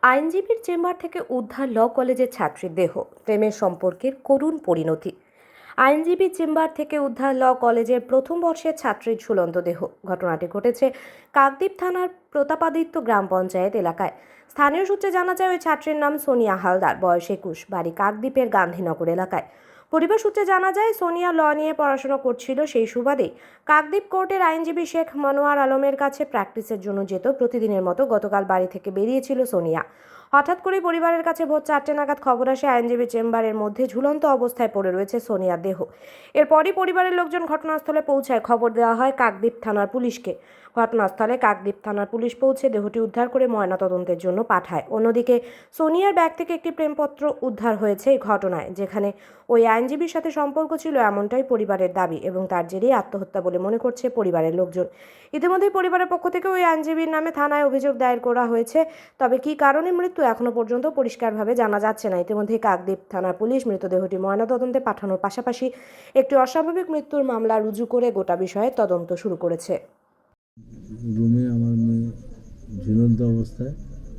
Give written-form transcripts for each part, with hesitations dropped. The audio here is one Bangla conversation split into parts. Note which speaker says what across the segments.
Speaker 1: আইনজীবীর চেম্বার থেকে উদ্ধার ল কলেজের ছাত্রীর দেহ, প্রেমের সম্পর্কের করুণ পরিণতি। আইনজীবী চেম্বার থেকে উদ্ধার ল কলেজের প্রথম বর্ষের ছাত্রীর ঝুলন্ত দেহ। ঘটনাটি ঘটেছে কাকদ্বীপ থানার প্রতাপাদিত্য গ্রাম পঞ্চায়েত এলাকায়। স্থানীয় সূত্রে জানা যায়, ওই ছাত্রীর নাম সোনিয়া হালদার, বয়স 21, বাড়ি কাকদ্বীপের গান্ধীনগর এলাকায়। পরিবার সূত্রে জানা যায়, সোনিয়া ল নিয়ে পড়াশোনা করছিল। সেই সুবাদেই কাকদ্বীপ কোর্টের আইনজীবী শেখ মনোয়ার আলমের কাছে প্র্যাকটিসের জন্য যেত। প্রতিদিনের মতো গতকাল বাড়ি থেকে বেরিয়েছিল সোনিয়া। হঠাৎ করে পরিবারের কাছে ভোর 4টে নাগাদ খবর আসে, আইনজীবী চেম্বারের মধ্যে ঝুলন্ত অবস্থায় পড়ে রয়েছে সোনিয়ার দেহ। এরপরই পরিবারের লোকজন ঘটনাস্থলে পৌঁছায়। খবর দেওয়া হয় কাকদ্বীপ থানার পুলিশকে। ঘটনাস্থলে কাকদ্বীপ থানার পুলিশ পৌঁছে দেহটি উদ্ধার করে ময়নাতদন্তের জন্য পাঠায়। অন্যদিকে সোনিয়ার ব্যাগ থেকে একটি প্রেমপত্র উদ্ধার হয়েছে এই ঘটনায়, যেখানে ওই আইনজীবীর সাথে সম্পর্ক ছিল এমনটাই পরিবারের দাবি, এবং তার জেরেই আত্মহত্যা বলে মনে করছে পরিবারের লোকজন। ইতিমধ্যেই পরিবারের পক্ষ থেকে ওই আইনজীবীর নামে থানায় অভিযোগ দায়ের করা হয়েছে। তবে কী কারণে মৃত্যু এখনো পর্যন্ত পরিষ্কারভাবে জানা যাচ্ছে না। ইতিমধ্যেই কাকদ্বীপ থানার পুলিশ মৃতদেহটি ময়নাতদন্তে পাঠানোর পাশাপাশি একটি অস্বাভাবিক মৃত্যুর মামলা রুজু করে গোটা বিষয়ে তদন্ত শুরু করেছে।
Speaker 2: রুমে আমার মেয়ে ঝুলন্ত অবস্থায়,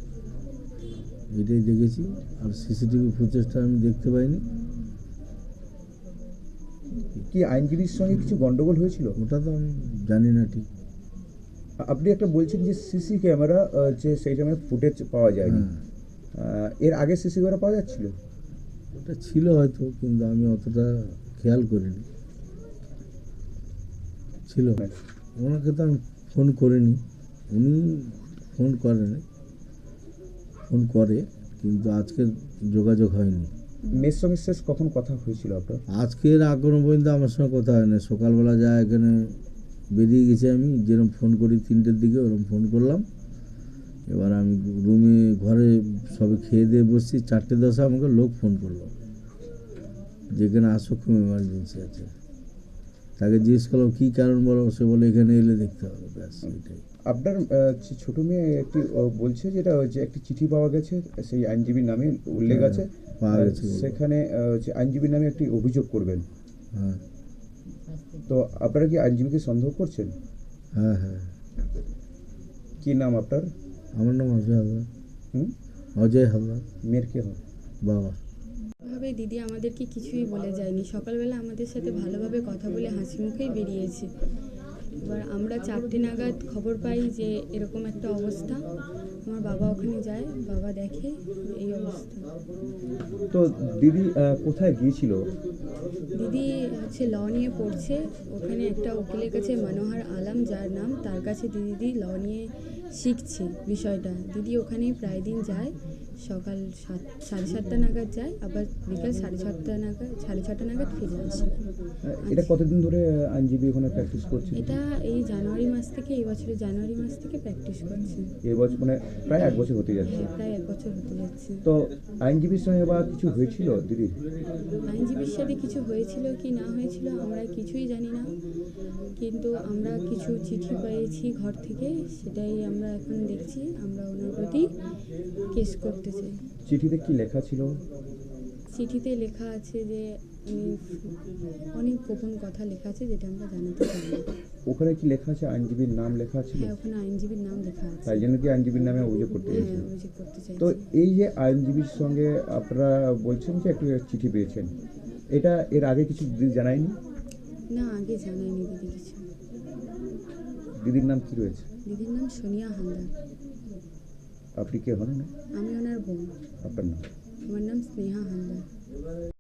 Speaker 2: এটাই দেখেছি। আর সিসিটিভি ফুটেজটা আমি দেখতে পাইনি।
Speaker 3: কি আইনজীবীর সঙ্গে কিছু গন্ডগোল হয়েছিল?
Speaker 2: ওটা তো আমি জানি না ঠিক।
Speaker 3: আপনি একটা বলছেন যে সিসি ক্যামেরা যে সেই টাইমে ফুটেজ পাওয়া যায়নি। এর আগে সিসি ক্যামেরা পাওয়া যাচ্ছিল?
Speaker 2: ওটা ছিল হয়তো, কিন্তু আমি অতটা খেয়াল করিনি। ছিল, ওনাকে তো আমি ফোন করিনি, উনি ফোন করেনি, ফোন করে, কিন্তু আজকে যোগাযোগ হয়নি।
Speaker 3: মেয়ের সঙ্গে শেষ কখন কথা হয়েছিল আপনার?
Speaker 2: আজকের এখনো পর্যন্ত আমার সঙ্গে কথা হয় না। সকালবেলা যা এখানে বেরিয়ে গেছি, আমি যেরকম ফোন করি 3টের দিকে, ওরকম ফোন করলাম। এবার আমি রুমে ঘরে সবে খেয়ে দিয়ে বসছি, 4:10 আমাকে লোক ফোন করলো, যেখানে আসো, খুব এমার্জেন্সি আছে। তাকে জিজ্ঞেস করলাম কী কারণ বলো, সে বলে এখানে এলে দেখতে হবে, ব্যাস এটাই।
Speaker 3: আপনার ছোটো মেয়ে একটি বলছে যেটা হচ্ছে একটি চিঠি পাওয়া গেছে, সেই আইনজীবীর নামে উল্লেখ আছে,
Speaker 2: পাওয়া গেছে,
Speaker 3: সেখানে আইনজীবীর নামে একটি অভিযোগ করবেন।
Speaker 2: হ্যাঁ।
Speaker 3: তো আপনারা কি আইনজীবীকে সন্দেহ করছেন?
Speaker 2: হ্যাঁ হ্যাঁ।
Speaker 3: কি নাম আপনার?
Speaker 2: আমার নাম অজয় হালদার। অজয় হালদার।
Speaker 3: মেয়ের কে হয়?
Speaker 2: বাবা।
Speaker 4: ভাবে দিদি আমাদেরকে কিছুই বলে যায়নি। সকালবেলা আমাদের সাথে ভালোভাবে কথা বলে হাসি মুখেই বেরিয়েছে। এবার আমরা 4টে নাগাদ খবর পাই যে এরকম একটা অবস্থা। আমার বাবা ওখানে যায়, বাবা দেখে এই অবস্থা।
Speaker 3: তো দিদি কোথায় গিয়েছিল?
Speaker 4: দিদি হচ্ছে ল নিয়ে পড়ছে, ওখানে একটা উকিলের কাছে, মনোহর আলম যার নাম, তার কাছে দিদি ল নিয়ে শিখছে বিষয়টা। দিদি ওখানেই প্রায় দিন যায়, সকাল 7:30 নাগাদ যায়, আবার বিকাল 6:30 নাগাদ ফিরে আসে।
Speaker 3: এটা কতদিন ধরে আইনজীবী ওখানে প্র্যাকটিস করছে?
Speaker 4: এটা এই জানুয়ারি মাস থেকে, এই বছরের জানুয়ারি মাস থেকে প্র্যাকটিস করছে।
Speaker 3: এই বছর মানে প্রায় 1 বছর হতে যাচ্ছে।
Speaker 4: হ্যাঁ, প্রায় 1 বছর হতে যাচ্ছে।
Speaker 3: তো আইনজীবীর সঙ্গে বা কিছু হয়েছিল দিদির?
Speaker 4: আইনজীবীর সাথে কিছু হয়েছিল কি না হয়েছিল আমরা কিছুই জানি না, কিন্তু আমরা কিছু চিঠি পেয়েছি ঘর থেকে, সেটাই আমরা এখন দেখছি। আমরা ওনার প্রতি কেস করতে চাই।
Speaker 3: চিঠিতে কি লেখা ছিল?
Speaker 4: চিঠিতে লেখা আছে যে অনেক গোপন কথা লেখা আছে, যেটা আমরা জানাতে চাই না।
Speaker 3: ওখানে কি লেখা আছে? আইনজীবীর নাম লেখা ছিল?
Speaker 4: হ্যাঁ, ওখানে আইনজীবীর নাম লেখা আছে।
Speaker 3: তাই জন্য কি আইনজীবীর নামে অভিযোগ করতে
Speaker 4: হ্যাঁ,
Speaker 3: চাইছেন?
Speaker 4: অভিযোগ করতে চাই।
Speaker 3: তো এই যে আইনজীবীর সঙ্গে আপনারা বলছেন যে একটা চিঠি পেয়েছেন, এটা এর আগে কিছু দিদি জানায়নি?
Speaker 4: না, আগে জানায়নি দিদি কিছু।
Speaker 3: দিদির নাম কি রয়েছে?
Speaker 4: দিদির নাম সোনিয়া হালদার।
Speaker 3: আপনি কে হন?
Speaker 4: আমি ওনার বোন।
Speaker 3: আপনার নাম?
Speaker 4: আমার নাম স্নেহা হালদার।